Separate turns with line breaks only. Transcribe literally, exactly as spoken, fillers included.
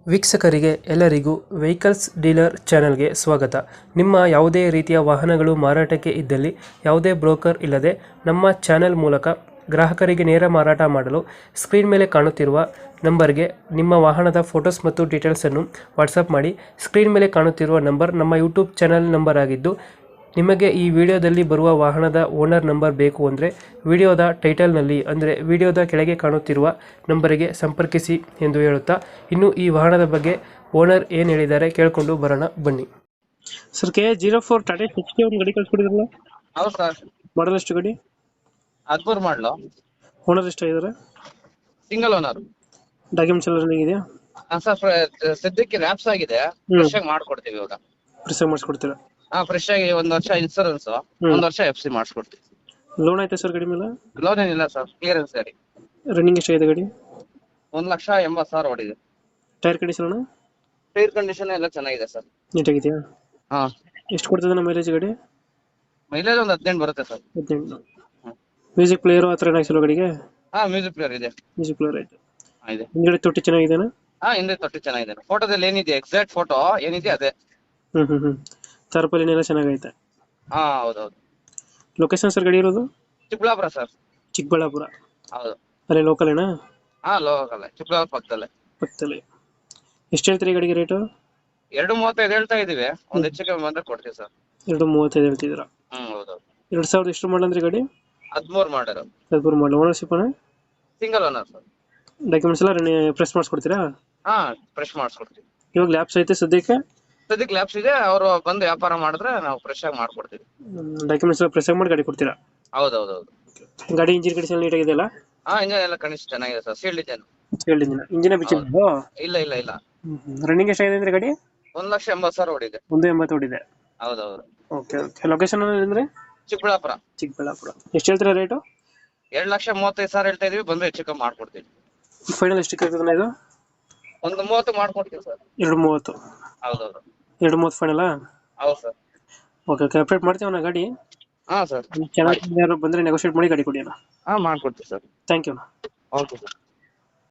ವೀಕ್ಷಕರಿಗೆ ಎಲ್ಲರಿಗೂ vehicles dealer ಚಾನೆಲ್ಗೆ ಸ್ವಾಗತ. ನಿಮ್ಮ ಯಾವುದೇ ರೀತಿಯ ವಾಹನಗಳು ಮಾರಾಟಕ್ಕೆ ಇದ್ದಲ್ಲಿ ಯಾವುದೇ ಬ್ರೋಕರ್ ಇಲ್ಲದೆ ನಮ್ಮ ಚಾನೆಲ್ ಮೂಲಕ ಗ್ರಾಹಕರಿಗೆ ನೇರ ಮಾರಾಟ ಮಾಡಲು ಸ್ಕ್ರೀನ್ ಮೇಲೆ ಕಾಣುತ್ತಿರುವ ನಂಬರ್ಗೆ ನಿಮ್ಮ ವಾಹನದ ಫೋಟೋಸ್ ಮತ್ತು ಡೀಟೇಲ್ಸನ್ನು ವಾಟ್ಸಪ್ ಮಾಡಿ. ಸ್ಕ್ರೀನ್ ಮೇಲೆ ಕಾಣುತ್ತಿರುವ ನಂಬರ್ ನಮ್ಮ ಯೂಟ್ಯೂಬ್ ಚಾನೆಲ್ ನಂಬರ್ ಆಗಿದ್ದು, ನಿಮಗೆ ಈ ವಿಡಿಯೋದಲ್ಲಿ ಬರುವ ವಾಹನದ ಓನರ್ ನಂಬರ್ ಬೇಕು ಅಂದರೆ ವಿಡಿಯೋದ ಟೈಟಲ್ನಲ್ಲಿ ಅಂದರೆ ವಿಡಿಯೋದ ಕೆಳಗೆ ಕಾಣುತ್ತಿರುವ ನಂಬರಿಗೆ ಸಂಪರ್ಕಿಸಿ ಎಂದು ಹೇಳುತ್ತಾ, ಇನ್ನು ಈ ವಾಹನದ ಬಗ್ಗೆ ಓನರ್ ಏನು ಹೇಳಿದ್ದಾರೆ ಕೇಳಿಕೊಂಡು ಬರೋಣ ಬನ್ನಿ. Sir, K zero four Tata sixty ಒಂದು ಗಾಡಿ ಕಳಿಸ್ಕೊಡಿದ್ರಲ್ಲ,
ಹೌದು ಸರ್.
ಮಾಡಲ್ ಎಷ್ಟು ಗಾಡಿ?
ಹದಿಮೂರು ಮಾಡಲು.
ಓನರ್ ಎಷ್ಟಾಗಿದ್ದಾರೆ?
Single owner.
ಡಾಕ್ಯುಮೆಂಟ್ಸ್ ಎಲ್ಲ ರನ್ನಿಂಗ್ ಇದೆಯಾ?
ಸರ್, ಸದ್ಯಕ್ಕೆ ರ್ಯಾಪ್ಸ್ ಆಗಿದೆ, ಫ್ರೆಶ್ ಆಗಿ ಮಾಡ್ಕೊಡ್ತೀವಿ ಇವಾಗ.
ಪ್ರೆಸ್ ಮಾಡಿಸ್ಕೊಡ್ತೀರಾ?
ಹಾ, ಫ್ರೆಶ್ ಆಗಿ ಒಂದ್ ವರ್ಷ ಇನ್ಸೂರೆನ್ಸ್, ಒಂದ್ ವರ್ಷ ಎಫ್ ಸಿ ಮಾಡಿಸ್ಕೊಡ್ತೀವಿ.
ಲೋನ್ ಆಯ್ತಾ ಸರ್ ಗಾಡಿ ಮೇಲೆ?
ಲೋನ್ ಏನಿಲ್ಲ ಸರ್, ಕ್ಲಿಯರೆನ್ಸ್ ಗಾಡಿ.
ರನ್ನಿಂಗ್ ಎಷ್ಟಾಗಿದೆ ಗಾಡಿ?
ಒಂದ್ ಲಕ್ಷ ಎಂಬತ್ತು ಸಾವಿರ ಓಡಿದೆ.
Tyre condition?
ಟೈರ್ ಕಂಡೀಷನ್ ಎಲ್ಲ ಚೆನ್ನಾಗಿದೆ ಸರ್.
ನೀಟಾಗಿದೆಯಾ?
ಹಾ.
ಎಷ್ಟು ಕೊಡ್ತದೆ ನಮ್ಮ ಮೈಲೇಜ್ ಗಾಡಿ?
ಮೈಲೇಜ್ ಒಂದ್ ಹದಿನೆಂಟು ಬರುತ್ತೆ ಸರ್.
ಹದಿನೆಂಟು. ಮ್ಯೂಸಿಕ್ ಪ್ಲೇಯರ್ ಆ ಥರ ಏನಾಗಿಸಲ್ಲ ಗಾಡಿಗೆ?
ಹಾ, ಮ್ಯೂಸಿಕ್ ಪ್ಲೇಯರ್ ಇದೆ.
ಮ್ಯೂಸಿಕ್ ಪ್ಲೇಯರ್ ಆಯ್ತು.
ಹಾ, ಇದೆ.
ಹಿಂದ್ಗಡೆ ತೊಟ್ಟಿ ಚೆನ್ನಾಗಿದೆನಾ?
ಹಾ, ಹಿಂದೆ ತೊಟ್ಟಿ ಚೆನ್ನಾಗಿದೆ. ಫೋಟೋದಲ್ಲಿ ಏನಿದೆ, ಎಕ್ಸಾಕ್ಟ್ ಫೋಟೋ ಏನಿದೆ ಅದೇ.
ಹ್ಮ್ ಹ್ಮ್ ಹ್ಮ್ ತಾರ್ಪಾಲಿನ ಎಲ್ಲ ಚೆನ್ನಾಗೈತೆ.
ಹಾ, ಹೌದೌದು.
ಲೊಕೇಶನ್ ಸರ್ ಗಾಡಿ ಇರೋದು?
ಚಿಕ್ಕಬಳ್ಳಾಪುರ ಸರ್.
ಚಿಕ್ಕಬಳ್ಳಾಪುರ.
ಹೌದು.
ಅಲ್ಲೇ ಲೋಕಲ್ ಏನಾ?
ಹಾ, ಲೋಕಲ್. ಚಿಕ್ಕಬಳ್ಳಾಪುರ ಪಕ್ಕದಲ್ಲೇ.
ಪಕ್ಕದಲ್ಲಿ. ಎಷ್ಟು ಹೇಳ್ತೀರಿ ಗಾಡಿಗೆ ರೇಟು?
ಎರಡು ಮೂವತ್ತೈದು ಹೇಳ್ತಾ ಇದೀವಿ, ಒಂದ್ ಹೆಚ್ಚು ಕಮ್ಮಿ ಬಂದ್ರೆ ಕೊಡ್ತೀವಿ ಸರ್.
ಎರಡು ಮೂವತ್ತೈದು ಹೇಳ್ತಿದ್ದೀರಾ?
ಹ್ಮ್, ಹೌದೌದು.
ಎರಡು ಸಾವಿರದ ಎಷ್ಟು ಮಾಡಲ್ ಅಂದ್ರೆ ಗಾಡಿ?
ಹದಿಮೂರು ಮಾಡರು.
ಹದಿಮೂರು ಮಾಡಲ್. ಓನರ್ಶಿಪ್ ಅಣ್ಣ?
Single owner sir.
ಡಾಕ್ಯುಮೆಂಟ್ಸ್ ಎಲ್ಲ ಪ್ರೆಸ್ ಮಾಡಿಸ್ಕೊಡ್ತೀರಾ?
ಹಾ, ಫ್ರೆಶ್ ಮಾಡಿಸ್ಕೊಡ್ತೀವಿ.
ಇವಾಗ ಲ್ಯಾಬ್ಸ್ ಐತೆ ಸದ್ಯಕ್ಕೆ?
ಸದ್ಯಕ್ಕೆ ಲ್ಯಾಬ್ಸ್ ಇದೆ, ಅವರು ಬಂದು ವ್ಯಾಪಾರ ಮಾಡಿದ್ರೆ ನಾವು ಫ್ರೆಶ್ ಆಗಿ ಮಾಡ್ಕೊಡ್ತೀವಿ.
ಡಾಕ್ಯುಮೆಂಟ್ಸ್ ಎಲ್ಲ ಪ್ರೆಸ್ ಮಾಡಿ ಗಾಡಿ ಕೊಡ್ತೀರಾ?
ಹೌದೌದೌದು.
ಗಾಡಿ ಇಂಜಿನ್ ಕಂಡೀಷನ್ ನೀಟಾಗಿದೆಯಲ್ಲ?
ಹಾ, ಇಂಜನ್ ಎಲ್ಲ ಕಂಡೀಷನ್ ಚೆನ್ನಾಗಿದೆ sir. Sealed engine.
Sealed engine. Engine ಬಿಚ್ಚಿದ್ದು?
ಇಲ್ಲ ಇಲ್ಲ ಇಲ್ಲ.
ರನ್ನಿಂಗ್ ಎಷ್ಟಾಗಿದೆ ಅಂದ್ರೆ ಗಾಡಿ?
ಒಂದ್ ಲಕ್ಷ ಎಂಬತ್ತು ಸಾವಿರ ಓಡಿದೆ.
ಒಂದು ಎಂಬತ್ತು ಓಡಿದೆ.
ಹೌದೌದು.
Okay okay. ಲೊಕೇಶನ್ ಅಂದ್ರೆ?
ಚಿಕ್ಕಬಳ್ಳಾಪುರ.
ಚಿಕ್ಕಬಳ್ಳಾಪುರ. ಎಷ್ಟು ಹೇಳ್ತೀರಾ ರೇಟು?
ಎರಡ್ ಲಕ್ಷ ಮೂವತ್ತೈದು ಸಾವಿರ ಹೇಳ್ತಾ ಇದೀವಿ, ಬಂದ್ರೆ ಹೆಚ್ಚು ಕಮ್ಮಿ ಮಾಡ್ಕೊಡ್ತೀವಿ.
ಫೈನಲ್ ಎಷ್ಟಕ್ಕೆ ಆಗ್ತದೆ ಇದು?
ಒಂದು ಮೂವತ್ತು ಮಾಡ್ಕೊಡ್ತೀವಿ ಸರ್.
ಎರಡು ಮೂವತ್ತು?
ಹೌದೌದು.
ಎರಡು ಮೂವತ್ತು ಫೈನಲ್?
ಹೌದು ಸರ್.
Okay okay. ಅಪ್ಡೇಟ್ ಮಾಡ್ತೀವಿ ಗಾಡಿ.
ಹಾ ಸರ್.
ಚೆನ್ನಾಗಿ ಬಂದ್ರೆ ನೆಗೋಷಿಯೇಟ್ ಮಾಡಿ ಗಾಡಿ ಕೊಡಿ ಅಣ್ಣ.
ಹಾ, ಮಾಡ್ಕೊಡ್ತೀವಿ sir.
Thank you.
Okay sir.